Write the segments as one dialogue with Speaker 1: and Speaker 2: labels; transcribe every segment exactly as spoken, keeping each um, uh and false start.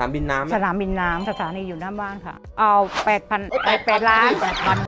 Speaker 1: นามบินน้ำ
Speaker 2: สนามบินน้ำสถานีอยู่หน้าบ้านค่ะเอาแปดพันแปดล้านแปดพัน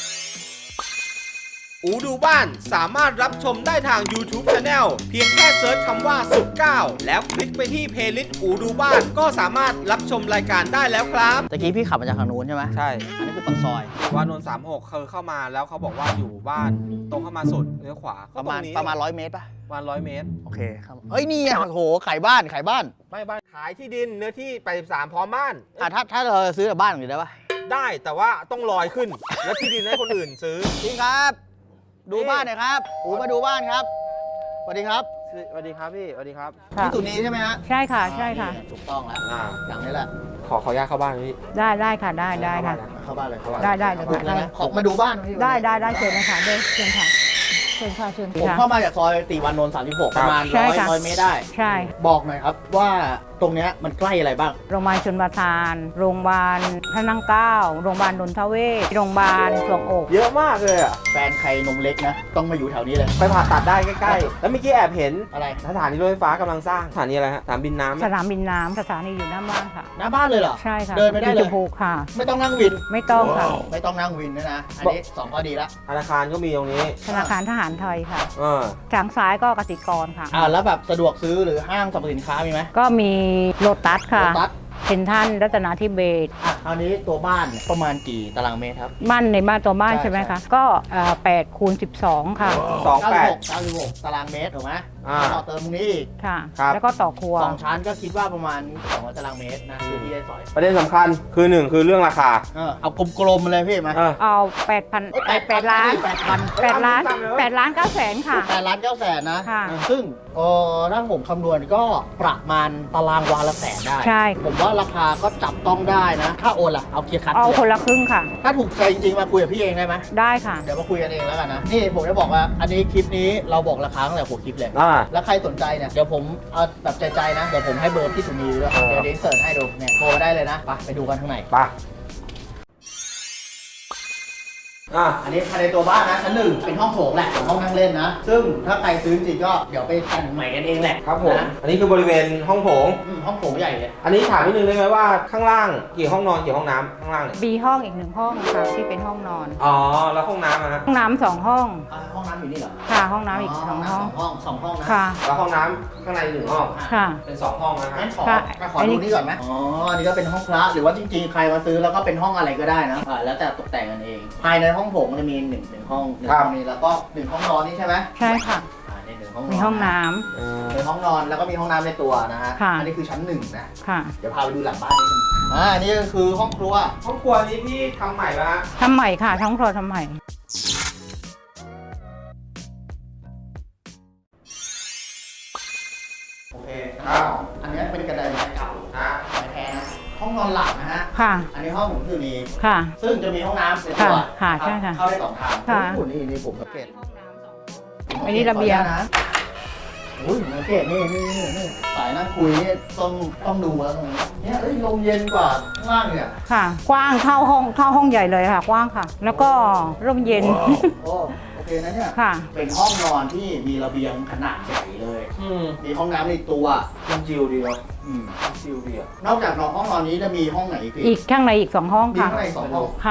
Speaker 1: อูดูบ้านสามารถรับชมได้ทาง YouTube Channel เพียงแค่เซิร์ชคำว่าสุขเก้าแล้วคลิกไปที่เพลย์ลิสต์อูดูบ้านก็สามารถรับชมรายการได้แล้วครับ
Speaker 3: ตะกี้พี่ขับมาจากทางนู้นใช่ไหม
Speaker 1: ใช่
Speaker 3: อันนี้คือปากซอย
Speaker 1: วานนท์สามหกเคยเข้ามาแล้วเขาบอกว่าอยู่บ้านตรงเข้ามาสุดเลี้ยวขวา
Speaker 3: ประมาณ
Speaker 1: ก็ตงนี้
Speaker 3: ประมาณร้อยเมตรป่ะ
Speaker 1: ประมาณร้อยเมตร
Speaker 3: โอเคครับเอ้ยนี่ไงโอ้โหขายบ้านขายบ้าน
Speaker 1: ไม่บ้านขายที่ดินเนื้อที่แปดสิบสามพร้อมบ้าน
Speaker 3: อ่ะถ้าถ้าเราซื้อจากบ้านอย่างนี้ได้ป่ะ
Speaker 1: ได้แต่ว่าต้องลอยขึ้น แล้วที่ดินให้คนอื่นซื้อ
Speaker 3: จริงครับ ดูบ้านหน่อยครับอูมาดูบ้านครับสวัสดีครับ
Speaker 1: สวัสดีครับพี่สวัสดีครับ
Speaker 3: พี่ตุนีใช่ไหมฮะ
Speaker 2: ใช่ค่ะใช่ค่ะ
Speaker 3: อ่านี่ถูกต้องแล้ว
Speaker 1: อ่า
Speaker 3: หลังนี้แหละ
Speaker 1: ขอขออนุญาตเข้าบ้านพี่
Speaker 2: ได้ได้ค่ะได้ได้ค่ะ
Speaker 3: เข้าบ้านเลยเข้าบ้าน
Speaker 2: ได้ได้เลย
Speaker 3: บุก
Speaker 2: ค่ะ
Speaker 3: เลยนะขอมาดูบ้านหน่อยพี่
Speaker 2: ได้ได้ได้เชิญนะคะเดินเชิญค่ะเชิญค่ะเชิญ
Speaker 3: ผม
Speaker 2: ค่ะ
Speaker 3: เข้ามาจากซอยติวานนท์สามสิบหกประมาณ
Speaker 2: ใช่
Speaker 3: ร้อย
Speaker 2: ค่ะ
Speaker 3: ร้อยเมตรได้
Speaker 2: ใช่
Speaker 3: บอกหน่อยครับว่าตรงเนี้ยมันใกล้อะไรบ้าง
Speaker 2: โรงพยาบาลชลประทานโรงพยาบาลพระนั่งเกล้าโรงพยาบาลนนทเวศโรงพยาบาลสวงอก
Speaker 1: เยอะมากเลยอ่ะ
Speaker 3: แฟนใครนมเล็กนะ ต้องมาอยู่แถวนี้เลย
Speaker 1: ไปผ่าตัดได้ใกล้ๆ แล้วเมื่อกี้แอบเห็น
Speaker 3: อะไร
Speaker 1: สถานีรถไฟฟ้ากำลังสร้างสถานีอะไรฮะสนามบินน้ำ
Speaker 2: สนามบินน้ำสถานีอยู่หน้าบ้านค่ะ
Speaker 3: หน้าบ้านเลยเหรอ
Speaker 2: ใช่ค่ะ
Speaker 3: เดินไปได้เลย
Speaker 2: ที่ชมพูค่ะ
Speaker 3: ไม่ต้องนั่งวิน
Speaker 2: ไม่ต้องค่ะ
Speaker 3: ไม่ต้องนั่งวินด้วยนะ อันนี้สองข้อดีละ
Speaker 1: ธนาคารก็มีตรงนี้
Speaker 2: ธนาคารทหารไทยค่ะ
Speaker 1: เออ
Speaker 2: ทางซ้ายก็กสิกรค่ะ
Speaker 3: อ่าแล้วแบบสะดวกซื้อหรือห้างสรรพสินค้ามีไหม
Speaker 2: ก็มีโลตัสค่ะ
Speaker 3: โลตัส
Speaker 2: เซ็นทรัลรัตนาธิเบศร
Speaker 3: อ่ะคราวนี้ตัวบ้านเนี่ยประมาณกี่ตารางเมตรครับ
Speaker 2: บ้านในบ้านตัวบ้าน
Speaker 3: ใช่
Speaker 2: ใช่ไหม
Speaker 3: ใช่
Speaker 2: คะ ก็แปดคูณสิบสองค่ะ
Speaker 1: สองแปด
Speaker 3: เก้าสิบหกตารางเมตรถูกไหม
Speaker 1: อ่า
Speaker 3: ต่อเติมตรงนี้อีก
Speaker 2: ค่ะ
Speaker 1: ครับ
Speaker 2: แล้วก็ต่อครัว
Speaker 3: สองชั้นก็คิดว่าประมาณสองร้อยตารางเมตรนะคือที่ได้สอย
Speaker 1: ประเด็นสำคัญคือหนึ่งคือเรื่องราคา
Speaker 3: เออเอากลมๆเลยพี่มา
Speaker 1: เออ
Speaker 2: เอาแปดพันแปดล้าน
Speaker 3: แปดพัน
Speaker 2: แปดล้าน
Speaker 1: ตามเลย
Speaker 2: แปดล้านเก้าแสนค่ะ
Speaker 3: แปดล้านเก้าแสนนะ
Speaker 2: ค่ะ
Speaker 3: ซึ่งเออถ้าผมคำนวณก็ประมาณตารางวาละแสนได้
Speaker 2: ใช่
Speaker 3: ผมว่าราคาก็จับต้องได้นะ ถ้าโอนล่ะ เอาเคลียร์คัด
Speaker 2: เอา
Speaker 3: เลย
Speaker 2: คนละครึ่งค่ะ
Speaker 3: ถ้าถูกใจจริงๆ มาคุยกับพี่เองได้ไหม
Speaker 2: ได้ค่ะ
Speaker 3: เดี๋ยวมาคุยกันเองแล้วกันนะ นี่ผมจะบอกว่า อันนี้คลิปนี้เราบอกราคาตั้งแต่หัวคลิปเลย
Speaker 1: อ่า
Speaker 3: แล้วใครสนใจเนี่ย เดี๋ยวผมเอาแบบใจๆนะ เดี๋ยวผมให้เบอร์พี่สุนีด้วย
Speaker 1: เออ
Speaker 3: เดี๋ยวเดี๋ยวเสิร์ชให้ดู เนี่ยโทรมาได้เลยนะ ไปไปดูกันข้างใน
Speaker 1: ไปอ่ะ
Speaker 3: อันนี้ภายในตัวบ้านนะชั้นหนึ่งเป็นห้องโถงแหละเป็นห้องนั่งเล่นนะ ซึ่งถ้าใครซื้อจริงๆก็เดี๋ยวไปแต่งใหม่กันเองแหละ
Speaker 1: ครับผม
Speaker 3: นะ
Speaker 1: อันนี้คือบริเวณห้องโถง
Speaker 3: อืมห้องโถงใหญ่เลย
Speaker 1: อันนี้ถามนิดนึงได้ไหมว่าข้างล่างกี่ห้องนอนกี่ห้องน้ำข้างล่างเนี่ย
Speaker 2: มีห้องอีกหนึ่งห้องค่ะที่เป็นห้องนอน
Speaker 1: อ๋อ แล้วห้องน้ำอะฮะ
Speaker 2: ห้องน้ำสองห้อง
Speaker 3: อ่าห้องน้ำอยู่นี่เหรอ
Speaker 2: ค่ะ ห้องน้ำอีกสองห้อง
Speaker 3: ห้องสองห้องนะ
Speaker 2: ค่ะ
Speaker 1: แล้วห้องน้ำข้างในหนึ่งห้อง
Speaker 2: ค่ะ
Speaker 1: เป็นสองห้องนะครั
Speaker 3: งั้
Speaker 1: บ
Speaker 3: นขอ
Speaker 2: ค่ะ
Speaker 3: ขอดูนี่ก่อนไหมอ๋อ อันนี้ก็เป็นห้องพระหรือว่าจริงๆ ใครมาซื้อแล้วก็เป็นห้องอะไรก็ได้นะอ่าแล้วแต่ตกแต่งกันเอง ภายในห้องโถงมันจะมีหนึ่งหนึ่งห้องหนึ่งห้องนี้แล้วก็หนึ่งห้องนอนนี่ใช่ไหม
Speaker 2: ใช่ค่ะ
Speaker 3: อ่าในหนึ่งห้องนอน
Speaker 2: มีห้องน้ำ
Speaker 1: เออ
Speaker 3: เป็นห้องนอนแล้วก็มีห้องน้ำในตัวนะฮะ
Speaker 2: ค่ะ
Speaker 3: อันนี้คือชั้นหนึ่งนะ
Speaker 2: ค่ะ
Speaker 3: เดี๋ยวพาไปดูหลังบ้านนิดนึงอ่าอันนี้ก็คือห้องครัว
Speaker 1: ห้องครัวนี้พี่ทำใหม่แล้วฮะ
Speaker 2: ทำใหม่ค่ะท้องครัวทำใหม่
Speaker 3: โอเค
Speaker 1: ครับ
Speaker 3: อันนี้เป็นกระไดไม้เก่า
Speaker 1: นะ
Speaker 3: ไม้แท้นะ ห้องนอนหลักนะฮะ
Speaker 2: ค่ะ
Speaker 3: อันนี้ห้องผมคือมี
Speaker 2: ค่ะ
Speaker 3: ซึ่งจะมีห้องน้ำในตัว
Speaker 2: ค่ะค่ะ
Speaker 3: รับ
Speaker 2: ใช่ค่ะ
Speaker 3: เข้าได้สองทาง
Speaker 2: ค่ะ
Speaker 3: โอ้โหนี่นี่ผมสังเกต
Speaker 2: อันนี้ระเบียง
Speaker 3: ขออนุญาตนะโอ้ยสังเกตนี่นี่นี่นี่สายนั่งคุยนี่ต้องต้องดูแล้วตรงนี้เนี่ยเอ้ยลมเย็นกว่าข้างล่างเนี่ย
Speaker 2: ค่ะ กว้างเท่าห้องเท่าห้องใหญ่เลยค่ะ กว้างค่ะ แล้วก็ร่มเย็น
Speaker 3: โอ้โอเคนะเนี่ย
Speaker 2: ค่ะ
Speaker 3: เป็นห้องนอนที่มีระเบียงขนาดใหญ่เลย
Speaker 1: อืม
Speaker 3: มีห้องน้ำในตัว
Speaker 1: มันจิวดีเนาะ
Speaker 3: อืม
Speaker 1: จิวดีอ่ะ
Speaker 3: นอกจากนอนห้องนอนนี้จะมีห้องไหนอีกพี่
Speaker 2: อีกข้างในอีกสองห้อง
Speaker 3: มี
Speaker 2: ค่ะ
Speaker 3: ข้างในสองห้อง
Speaker 2: ค่ะ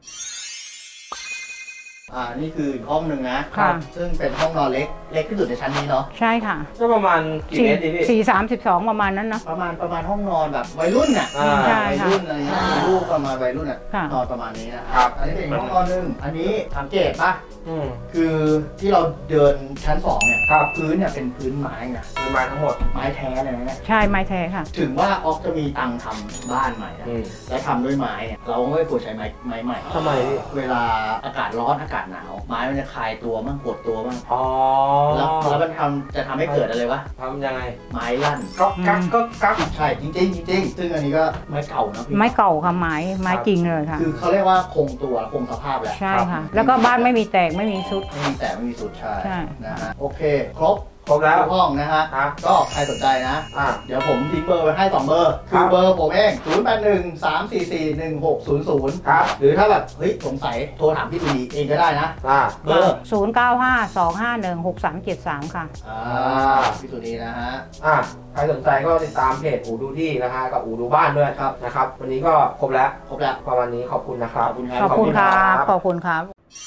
Speaker 3: อ่านี่คืออีกห้องหนึ่งนะ
Speaker 2: ค่ะ
Speaker 3: ซึ่งเป็นห้องนอนเล็กเล็กที่สุดในชั้นนี้เนาะ
Speaker 2: ใช่ค่ะ
Speaker 1: ก็ประมาณกี่เมตรดีพี่
Speaker 2: สี่สามสิบสองประมาณนั้นเนอะ
Speaker 3: ประมาณประมาณห้องนอนแบบวัยรุ่นน่ะ
Speaker 1: อ่า
Speaker 2: ใช่
Speaker 3: วัย
Speaker 2: ค่ะ
Speaker 3: รุ่นอะไรเงี้ยมีลูกประมาณวัยรุ่นอ่ะ
Speaker 2: ค่ะ
Speaker 3: นอนประมาณนี้นะค
Speaker 1: ครั
Speaker 3: รับ อันนี้เป็นอีกห้องนอนหนึ่งอันนี้สังเกตปะ
Speaker 1: อืม
Speaker 3: คือที่เราเดินชั้นสองเนี่ย
Speaker 1: ครับ
Speaker 3: พื้นเนี่ยเป็นพื้นไม้ไง
Speaker 1: เป็นไม้ทั้งหมด
Speaker 3: ไม้แท้เลยนะเนี่ย
Speaker 2: ใช่ไม้แท้ค่ะ
Speaker 3: ถึงว่าออกจะมีตังค์ทำบ้านใหม่นะ
Speaker 1: อืม
Speaker 3: แล้วทำด้วยไม้เนี่ยเราไม่ควรใช้ไม้ไม้ใหม่
Speaker 1: ทำไมพี่
Speaker 3: เวลาอากาศร้อนอากาศหนาว ไม้มันจะคลายตัวบ้างปวดตัวบ้าง
Speaker 1: อ๋อ
Speaker 3: แล้วแล้วมันทำจะทำให้เกิดอะไรวะ
Speaker 1: ทำยังไง
Speaker 3: ไม้ลั่น
Speaker 1: ก็กักก็กัก
Speaker 3: ใช่จริงๆจริงๆซึ่งอันนี้ก็ไม้เก่านะพี่
Speaker 2: ไม้เก่าค่ะไม้ไม้จริงเลยค่ะ
Speaker 3: คือเขาเรียกว่าคงตัวคงสภาพแหละ
Speaker 2: ใช่ค่ะ แล้วก็บ้านไม่มีแตกไม่มีซุด
Speaker 3: ไม่มีแต่ไม่มีสุดใช่
Speaker 2: ใช่
Speaker 3: นะฮะโอเค ครบ
Speaker 1: ครบแล้ว
Speaker 3: ทุกห้องนะฮะ
Speaker 1: ครับ
Speaker 3: ก็ใครสนใจนะ
Speaker 1: อ่า
Speaker 3: เดี๋ยวผมทิ้งเบอร์ไว้ให้สองเบอร์
Speaker 1: ครั
Speaker 3: คื
Speaker 1: บ
Speaker 3: อเบอร์ผมเองศูนย์ แปด หนึ่ง สาม สี่ สี่ หนึ่ง หก ศูนย์ ศูนย์
Speaker 1: ครับ
Speaker 3: หรือถ้าแบบเฮ้ยสงสัยโทรถามพี่สุนีเองก็ได้นะ
Speaker 1: อ่า
Speaker 3: เบอร์
Speaker 2: ศูนย์ เก้า ห้า สอง ห้า หนึ่ง หก สาม เจ็ด สาม ค่ะ
Speaker 3: อ่าพี่สุนีนะฮะ
Speaker 1: อ่าใครสนใจก็ติดตามเพจอูดูที่นะฮะกับอูดูบ้านด้วย
Speaker 3: ครับ
Speaker 1: นะครับ วันนี้ก็ครบแล้ว
Speaker 3: ครบแล้ว
Speaker 1: ประมาณนี้ขอบคุณนะครับ
Speaker 3: ขอบคุณครับ
Speaker 2: ขอบคุณครับ ขอบคุณครับ